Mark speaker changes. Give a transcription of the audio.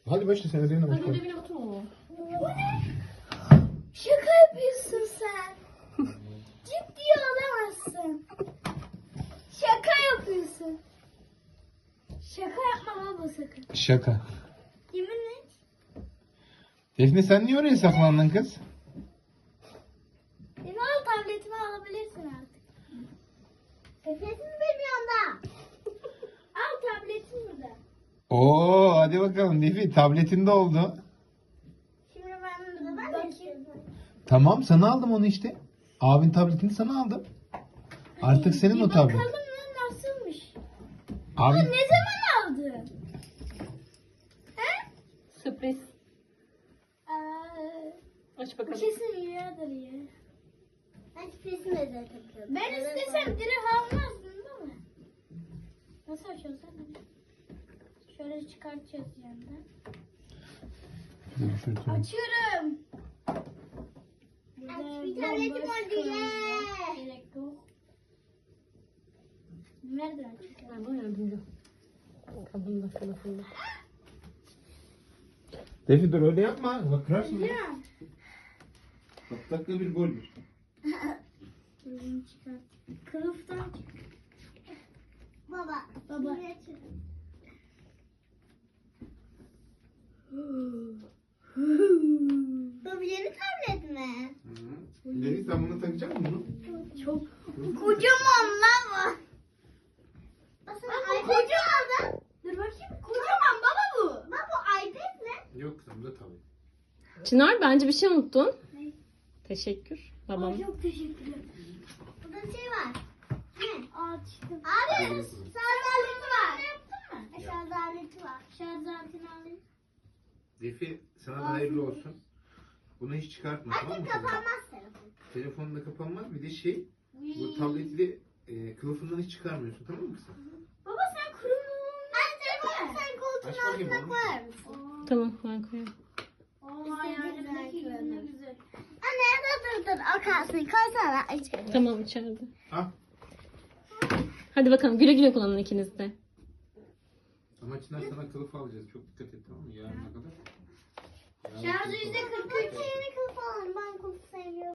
Speaker 1: Hadi başla sen ödevine
Speaker 2: Hadi
Speaker 1: başla.
Speaker 2: ödevine otur mu?
Speaker 3: Şaka yapıyorsun sen. Ciddi olamazsın. Şaka yapıyorsun. Şaka yapma baba sakın.
Speaker 1: Şaka.
Speaker 3: Yemin et.
Speaker 1: Defne sen niye oraya saklandın kız?
Speaker 3: Beni al tabletimi alabilirsin artık. Nefesim benim yanımda. Al tabletim burada.
Speaker 1: Oo hadi bakalım Defi tabletinde oldu.
Speaker 3: Şimdi ben bakayım.
Speaker 1: Tamam sana aldım onu işte. Abin tabletini sana aldım. Artık senin o tablet.
Speaker 3: Bakalım lan nasılmış.
Speaker 1: Abi
Speaker 3: Ne zaman aldın? He?
Speaker 2: Sürpriz.
Speaker 3: Aa,
Speaker 2: Aç
Speaker 3: bu
Speaker 2: bakalım.
Speaker 3: kesin rüyadır ya. Ben kesin özel takıyorum. Ben istesem direkt almazdın değil mi? Nasıl açıyorsun sen? Şöyle çıkartacağız yandan. Açıyorum. Aç bir tabletim var diye. Gerek yok. Nereden açıyorsun?
Speaker 2: Ben bana yardımcı. Kabında kılıfında.
Speaker 1: Defi dur öyle yapma. Bak kırarsın.
Speaker 3: Değil mi?
Speaker 1: Bak dakika bir gol bir.
Speaker 3: Kılıfını çıkart. Kılıftan çık. Baba. Baba. Bu yeni tablet mi?
Speaker 1: Defi sen bunu takacak mısın
Speaker 3: Çok kocaman lan bu. Baba kocaman. Dur bakayım. Kocaman baba bu. Baba iPad ne?
Speaker 1: Yok sen de tabii.
Speaker 2: Çınar bence bir şey unuttun.
Speaker 3: Ne?
Speaker 2: Teşekkür. Babam.
Speaker 3: Çok teşekkürler. Burada bir şey var. Ne? Açtım. Abi şarj aleti var. Yaptın mı? Şarj aleti var. Şarj aletini alayım.
Speaker 1: Defi sana da hayırlı olsun. Bunu hiç çıkartma tamam mı?
Speaker 3: Kapanmaz telefon.
Speaker 1: Telefonun da kapanmaz. Bir de şey bu tableti de kılıfından hiç çıkarmıyorsun tamam mı kızım?
Speaker 3: Baba sen kuruluğunu... Sen koltuğun
Speaker 1: Aç bakayım
Speaker 3: altına
Speaker 1: onu.
Speaker 3: koyar mısın?
Speaker 2: Tamam ben koyarım.
Speaker 3: İstediğindeki gibi ne güzel. Anne dur. O kalsın. Koysana içeri.
Speaker 2: Tamam içeride.
Speaker 1: Al.
Speaker 2: Hadi bakalım güle güle kullanın ikiniz de.
Speaker 1: Ama Çınar sana kılıf alacağız. Çok dikkat et tamam mı? Yarına kadar.
Speaker 3: Şarjı %43. Yeni kılıf alalım. Ben kılıf seviyorum.